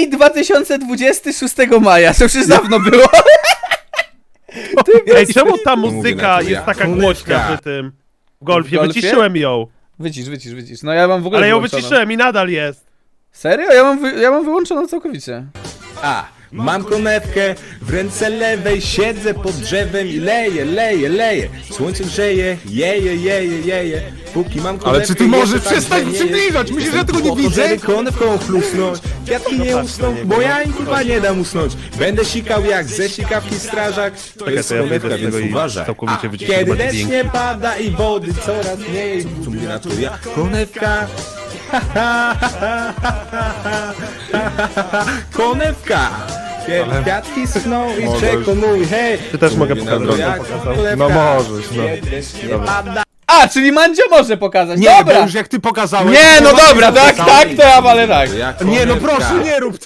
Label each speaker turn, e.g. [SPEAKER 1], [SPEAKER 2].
[SPEAKER 1] Maj 2026 maja, to już dawno było.
[SPEAKER 2] Ej, czemu ta
[SPEAKER 3] Mówię
[SPEAKER 2] muzyka
[SPEAKER 3] na to
[SPEAKER 2] jest
[SPEAKER 3] ja.
[SPEAKER 2] taka głośna przy tym w golfie?
[SPEAKER 1] W golfie?
[SPEAKER 2] Wyciszyłem ją.
[SPEAKER 1] Wycisz. No ja mam w ogóle
[SPEAKER 2] Ale ją
[SPEAKER 1] wyłączoną.
[SPEAKER 2] wyciszyłem i nadal jest.
[SPEAKER 1] Serio? Ja mam wyłączoną całkowicie.
[SPEAKER 3] Mam konewkę, w ręce lewej siedzę pod drzewem i leję. Słońce grzeje, jeje. Póki mam konewkę,
[SPEAKER 4] Ale czy ty możesz
[SPEAKER 3] jeszcze tak
[SPEAKER 4] przestać
[SPEAKER 3] grzeje.
[SPEAKER 4] przybliżać? Myślisz, że ja tego nie
[SPEAKER 3] Po to,
[SPEAKER 4] widzę?
[SPEAKER 3] żeby konewką chlusnąć. Kwiatki nie usną, bo ja im kurwa nie dam usnąć. Będę sikał jak ze sikawki strażak. To jest
[SPEAKER 2] to ja
[SPEAKER 3] konewka,
[SPEAKER 2] wyjdę z
[SPEAKER 3] więc
[SPEAKER 2] tego i
[SPEAKER 3] uważaj.
[SPEAKER 2] całkowicie wyciszę
[SPEAKER 3] Kiedy
[SPEAKER 2] chyba
[SPEAKER 3] deszcz
[SPEAKER 2] dźwięk.
[SPEAKER 3] nie pada i wody coraz mniej. Co mówię na to ja? Konewka. Konewka! Kiedy kwiatki schną i przekonuj, hej!
[SPEAKER 2] Ty też mogę
[SPEAKER 3] Mówię na to
[SPEAKER 2] pokazać.
[SPEAKER 3] jak konewka.
[SPEAKER 4] No możesz, no.
[SPEAKER 3] Kiedy deszcz nie pada.
[SPEAKER 1] A, czyli Mandzio może pokazać,
[SPEAKER 4] Nie, bo
[SPEAKER 1] dobra!
[SPEAKER 4] już jak ty pokazałeś...
[SPEAKER 1] Nie, no
[SPEAKER 4] to
[SPEAKER 1] dobra,
[SPEAKER 4] ładnie
[SPEAKER 1] tak,
[SPEAKER 4] pokazałeś.
[SPEAKER 1] to ja walę tak.
[SPEAKER 3] Jak
[SPEAKER 4] Nie, no
[SPEAKER 3] konewka.
[SPEAKER 4] proszę, nie rób